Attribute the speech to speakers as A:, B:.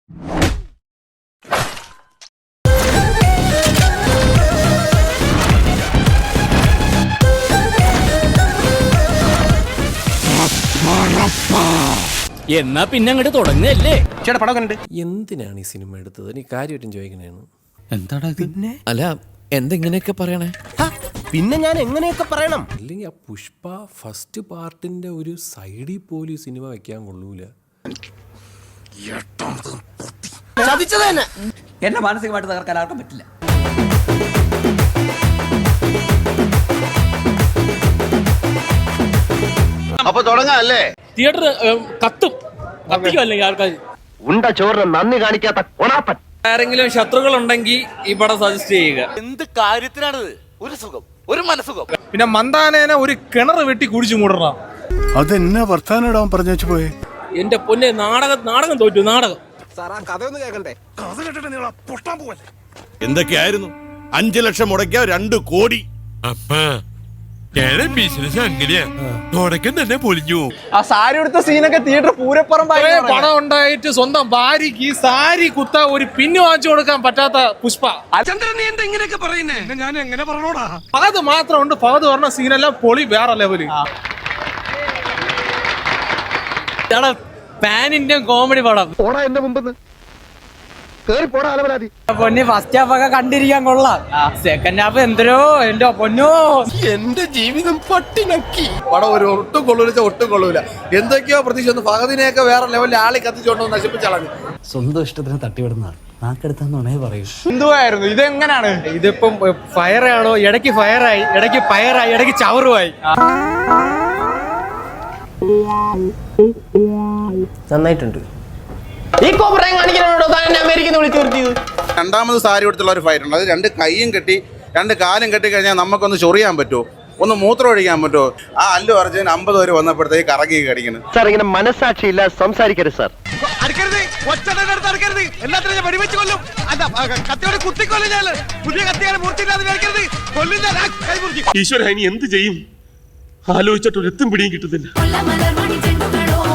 A: എന്നാ പിന്നെ അങ്ങോട്ട് തുടങ്ങല്ലേ?
B: ചേട്ടാ പടം കണ്ടിട്ട്
C: എന്തിനാണ് ഈ സിനിമ എടുത്തത്? നീ കാര്യമായിട്ടും ചോദിക്കണേന്ന്.
A: എന്താടാ
B: പിന്നെ
C: അല്ല എന്തെങ്ങനെയൊക്കെ പറയണേ?
B: പിന്നെ ഞാൻ എങ്ങനെയൊക്കെ പറയണം?
C: അല്ലെങ്കിൽ ആ പുഷ്പ ഫസ്റ്റ് പാർട്ടിന്റെ ഒരു സൈഡിൽ പോലും ഈ സിനിമ വെക്കാൻ കൊള്ളൂല.
B: ചതിച്ചത് തന്നെ.
D: എന്നെ മാനസികമായിട്ട് തകർക്കാൻ ആർക്കും പറ്റില്ല.
E: അപ്പൊ തുടങ്ങാല്ലേ?
A: തിയേറ്റർ കത്തിക്കും അല്ലെങ്കിൽ ആൾക്കാർ
E: ഉണ്ട ചോറിന് നന്ദി കാണിക്കാത്ത കൊണാപ്പൻ.
A: ആരെങ്കിലും ശത്രുക്കൾ ഉണ്ടെങ്കിൽ ഈ പടം സജസ്റ്റ് ചെയ്യുക.
E: എന്ത് കാര്യത്തിനാണിത്? ഒരു സുഖം, ഒരു മനസുഖം.
F: പിന്നെ മന്ദാനേനെ ഒരു കിണർ വെട്ടി കുടിച്ചു മൂടണം.
G: അതെന്നാ വർത്താനം പറഞ്ഞു വെച്ചു പോയെ?
A: എന്റെ പൊന്നെ, നാടകം തോറ്റു. നാടകം
B: കഥയൊന്നും കേൾക്കണ്ടേ?
H: എന്തൊക്കെയായിരുന്നു? 5 ലക്ഷം മുടക്കിയ 2 കോടി.
I: ബിസിനസ് അങ്ങനെയാ, തുടക്കം തന്നെ പൊളിഞ്ഞു.
F: ആ സാരി എടുത്ത സീനൊക്കെ തിയേറ്റർ പൂരപ്പുറം പണം ഉണ്ടായിട്ട് സ്വന്തം ഭാര്യക്ക് ഈ സാരി കുത്ത ഒരു പിന്നു വാങ്ങിച്ചു കൊടുക്കാൻ പറ്റാത്ത പുഷ്പ. ഞാൻ എങ്ങനെ പറഞ്ഞോടാ? ഫഹദ് മാത്രമുണ്ട്. ഫഹദ് പറഞ്ഞ സീനെല്ലാം പൊളി വേറെ ലെവല്.
A: പാൻ ഇന്ത്യൻ കോമഡി പടം.
E: പോടാ എന്റെ മുമ്പ് കേറി പോടാ അലവലാതി.
D: പൊന്നി ഫസ്റ്റ് ഹാഫ് ഒക്കെ കണ്ടിരിക്കാൻ കൊള്ളാം. സെക്കൻഡ് ഹാഫ് എന്തരോ എന്റെ പൊന്നോ,
B: എന്റെ ജീവിതം പട്ടിണക്കി.
F: പടം ഒരു ഒട്ടും കൊള്ളൂല. എന്തൊക്കെയോ പ്രതീക്ഷ വന്നു. ഫഹദിനെയൊക്കെ വേറെ ലെവലിൽ ആളി കത്തിച്ചോണ്ടോ നശിപ്പിച്ചളഞ്ഞു.
D: സ്വന്തം ഇഷ്ടത്തിന് തട്ടിവിടുന്നതാണ്. നാക്കെടുത്താന്നുണേ പറയൂ.
F: എന്തുവായിരുന്നു ഇതെങ്ങനാണ്?
D: ഇതിപ്പം ഫയറാണോ? ഇടയ്ക്ക് ഫയറായി, ഇടയ്ക്ക് ഫയറായി, ഇടയ്ക്ക് ചവറുമായി.
B: നന്നായിട്ടുണ്ട്. ഈ കോപ്രായം കാണിക്കാനോടോ താൻ എന്നെ അമേരിക്കന്ന് വിളിച്ചു നിർത്തിയത്?
H: രണ്ടാമത് സാരി കൊടുത്തുള്ള ഒരു ഫൈറ്റ് ഉണ്ട്. അത് 2 കൈയും കെട്ടി 2 കാലും കെട്ടി കഴിഞ്ഞാൽ നമുക്കൊന്ന് ചൊറിയാൻ പറ്റുമോ? ഒന്ന് മൂത്രം ഒഴിക്കാൻ പറ്റുമോ? ആ അല്ലു അർജുൻ 50 വരെ വന്നപ്പോഴത്തേക്ക് കറങ്ങി കടിക്കണം.
E: സാർ ഇങ്ങനെ മനസാക്ഷിയില്ല സംസാരിക്കരുത് സാർ.
I: ഈശ്വര, ഇനി എന്ത് ചെയ്യും? ആലോചിച്ചിട്ട് ഒരു എത്തും പിടിയും കിട്ടുന്നില്ല.